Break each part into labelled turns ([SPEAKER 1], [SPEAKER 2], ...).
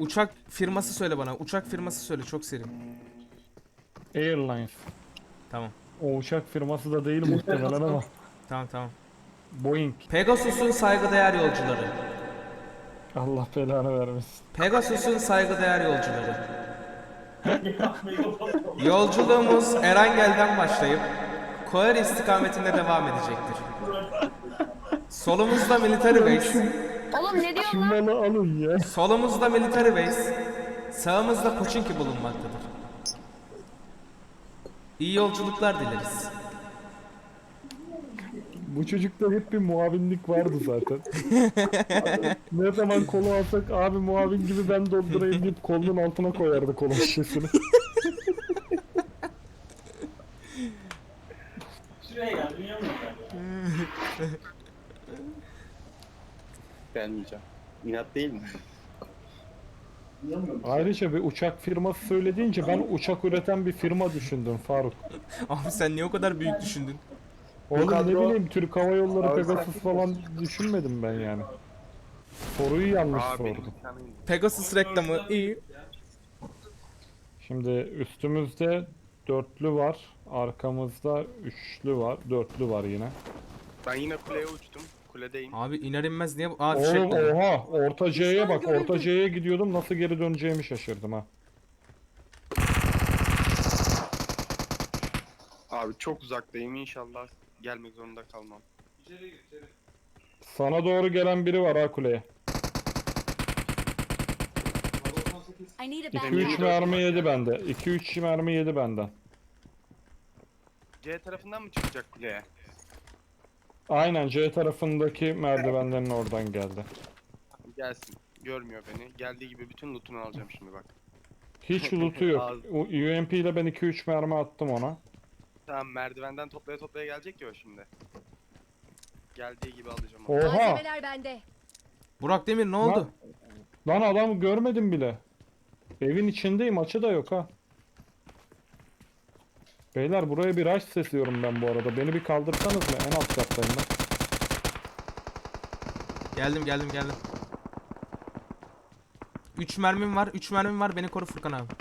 [SPEAKER 1] Uçak firması söyle bana. Uçak firması söyle çok seri.
[SPEAKER 2] Airlines.
[SPEAKER 1] Tamam.
[SPEAKER 2] O uçak firması da değil muhtemelen ama.
[SPEAKER 1] Tamam tamam.
[SPEAKER 2] Boeing.
[SPEAKER 1] Pegasus'un saygıdeğer yolcuları.
[SPEAKER 2] Allah belanı vermesin.
[SPEAKER 1] Pegasus'un saygıdeğer yolcuları. Yolculuğumuz Erangel'den başlayıp Koer istikametinde devam edecektir. Solumuzda military base,
[SPEAKER 3] Oğlum ne diyorsun
[SPEAKER 2] Şu
[SPEAKER 3] lan?
[SPEAKER 2] malı alın ya.
[SPEAKER 1] solumuzda military base, sağımızda Koçinki bulunmaktadır. İyi yolculuklar dileriz.
[SPEAKER 2] Bu çocukta hep bir muavinlik vardı zaten. Ne zaman kolu alsak abi muavin gibi ben doldurayım deyip kolunun altına koyardı kola şişesini.
[SPEAKER 4] Şuraya gel, dünya mı?
[SPEAKER 5] Gelmeyeceğim. İnat değil mi?
[SPEAKER 2] Ayrıca bir uçak firması söylediğince ben uçak üreten bir firma düşündüm Faruk.
[SPEAKER 1] Abi sen niye o kadar büyük düşündün?
[SPEAKER 2] Oğlum ne
[SPEAKER 5] kadro-
[SPEAKER 2] bileyim Türk Hava Yolları
[SPEAKER 5] Abi
[SPEAKER 2] Pegasus falan düşünmedim ben yani. Soruyu yanlış sordum.
[SPEAKER 1] Pegasus reklamı iyi.
[SPEAKER 2] Şimdi üstümüzde dörtlü var, arkamızda üçlü var, dörtlü var yine.
[SPEAKER 5] Ben yine kuleye uçtum. Kuledeyim.
[SPEAKER 1] Abi iner inmez niye? Aa
[SPEAKER 2] Oğlum
[SPEAKER 1] fişek dedi.
[SPEAKER 2] oha orta C'ye bak, orta C'ye gidiyordum nasıl geri döneceğimi şaşırdım ha.
[SPEAKER 5] Abi çok uzaktayım, inşallah gelmek zorunda kalmam.
[SPEAKER 4] İçeri gir, içeri.
[SPEAKER 2] Sana doğru gelen biri var ha kuleye.
[SPEAKER 4] Baba 18.
[SPEAKER 3] I need a
[SPEAKER 2] 2-3
[SPEAKER 3] backup.
[SPEAKER 2] mermi yedi bende. 2-3 mermi yedi benden.
[SPEAKER 5] C tarafından mı çıkacak kuleye?
[SPEAKER 2] Aynen C tarafındaki merdivenlerin oradan geldi.
[SPEAKER 5] Gelsin. Görmüyor beni. Geldiği gibi bütün lootunu alacağım şimdi bak.
[SPEAKER 2] Hiç loot'u yok.
[SPEAKER 5] Az.
[SPEAKER 2] UMP ile ben 2-3 mermi attım ona.
[SPEAKER 5] Tamam, merdivenden toplaya toplaya gelecek ya o şimdi. Geldiği gibi alacağım onu.
[SPEAKER 2] Oha!
[SPEAKER 3] Malzemeler bende.
[SPEAKER 1] Burak Demir ne oldu?
[SPEAKER 2] Lan adam görmedim bile. Evin içindeyim, açı da yok ha. Beyler buraya bir rush sesliyorum ben bu arada. Beni bir kaldırsanız mı? En alt kattayım ben.
[SPEAKER 1] Geldim geldim geldim. 3 mermim var. 3 mermim var. Beni koru Furkan abi.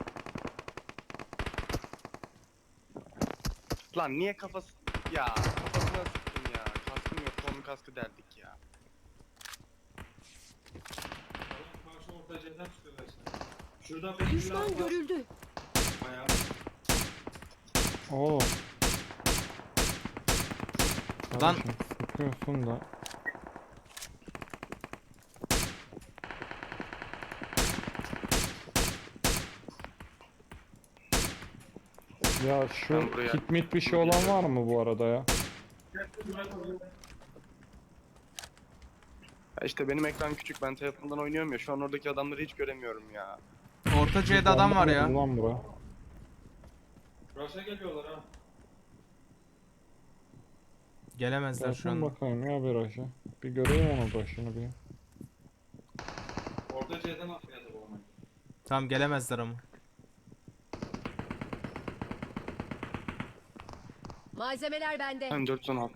[SPEAKER 5] Lan niye kafası... Ya kafasına sıktım ya. Kaskım yok. Onun kaskı deldik ya.
[SPEAKER 4] Karşı orta C'den çıkıyorlar işte. Şuradan beni
[SPEAKER 3] Düşman görüldü.
[SPEAKER 4] Ayağı.
[SPEAKER 2] Oo.
[SPEAKER 1] Lan.
[SPEAKER 2] Kardeşim, sıkıyorsun da. Ya şu
[SPEAKER 5] Ben buraya-
[SPEAKER 2] kit mit bir şey olan var mı bu arada ya?
[SPEAKER 5] Ya işte benim ekran küçük. Ben telefondan oynuyorum ya. Şu an oradaki adamları hiç göremiyorum ya.
[SPEAKER 1] Orta C'de adam var ya.
[SPEAKER 2] Ulan bura.
[SPEAKER 4] Rush'a geliyorlar ha.
[SPEAKER 1] Gelemezler şu
[SPEAKER 2] Bakın
[SPEAKER 1] anda.
[SPEAKER 2] bakayım ya bir aşağı. Bir göreyim onu başını bir.
[SPEAKER 4] Orta C'den atmaya da olmayı.
[SPEAKER 1] Tamam gelemezler ama.
[SPEAKER 3] Malzemeler bende.
[SPEAKER 5] Ben 416.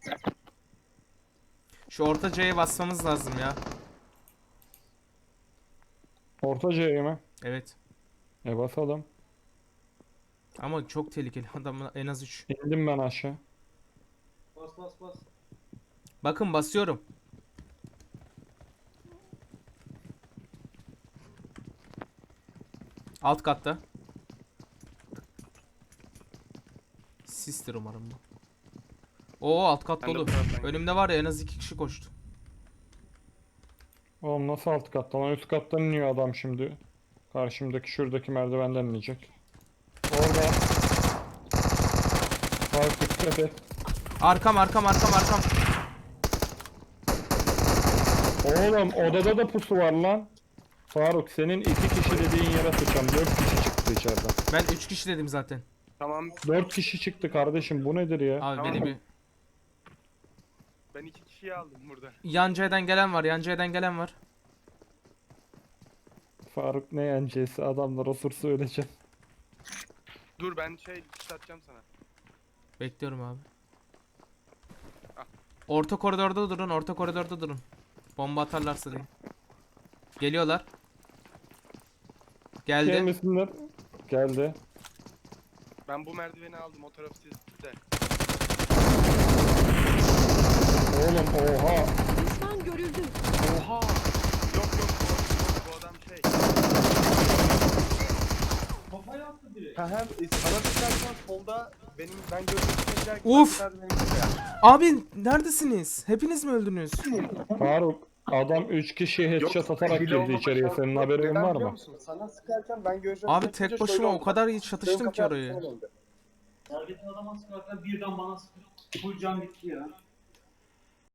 [SPEAKER 1] Şu orta C'ye basmamız lazım ya.
[SPEAKER 2] Orta C'ye mi?
[SPEAKER 1] Evet.
[SPEAKER 2] Basalım.
[SPEAKER 1] Ama çok tehlikeli. Adam en az 3.
[SPEAKER 2] İndim ben aşağı.
[SPEAKER 4] Bas bas bas.
[SPEAKER 1] Bakın basıyorum. Alt katta. Sistir umarım bu. Oo alt kat
[SPEAKER 5] Ben de
[SPEAKER 1] dolu.
[SPEAKER 5] bu taraftan
[SPEAKER 1] Önümde var ya en az 2 kişi koştu.
[SPEAKER 2] Oğlum nasıl alt kattan? Üst kattan iniyor adam şimdi. Karşımdaki şuradaki merdivenden inecek. Orada. Fark dikkat et.
[SPEAKER 1] Arkam arkam arkam arkam.
[SPEAKER 2] Oğlum odada da pusu var lan. Faruk senin 2 kişi dediğin yere sıçam. 4 kişi çıktı içeriden.
[SPEAKER 1] Ben 3 kişi dedim zaten.
[SPEAKER 5] Tamam.
[SPEAKER 2] 4 kişi çıktı kardeşim bu nedir ya?
[SPEAKER 1] Abi
[SPEAKER 5] Tamam.
[SPEAKER 1] beni bir...
[SPEAKER 5] Ben 2 kişiyi aldım burada.
[SPEAKER 1] Yan C'den gelen var. Yan C'den gelen var.
[SPEAKER 2] Faruk ne yencesi adamlar osursa öleceğim.
[SPEAKER 5] Dur ben dikiş atacağım sana.
[SPEAKER 1] Bekliyorum abi.
[SPEAKER 5] Ah.
[SPEAKER 1] Orta koridorda durun. Orta koridorda durun. Bomba atarlarsa diye. Geliyorlar. Geldi.
[SPEAKER 2] Gelmesinler. Geldi.
[SPEAKER 5] Ben bu merdiveni aldım. O taraf sizde.
[SPEAKER 2] Oğlum oha.
[SPEAKER 3] Düşman görüldü.
[SPEAKER 5] Oha! Yok yok bu adam şey.
[SPEAKER 4] Kafaya attı direkt.
[SPEAKER 5] Ha hem sana sıkarsan solda ben gözümü
[SPEAKER 1] Uf! Abi neredesiniz? Hepiniz mi öldünüz?
[SPEAKER 2] Faruk adam 3 kişi headshot atarak girdi içeriye. Senin haberin var mı?
[SPEAKER 5] Sana sıkarken ben gözümü
[SPEAKER 1] Abi tek başıma o kadar iyi çatıştım ki orayı.
[SPEAKER 4] Sergetin adama sıkarken birden bana sıktı. Full can bitti ya.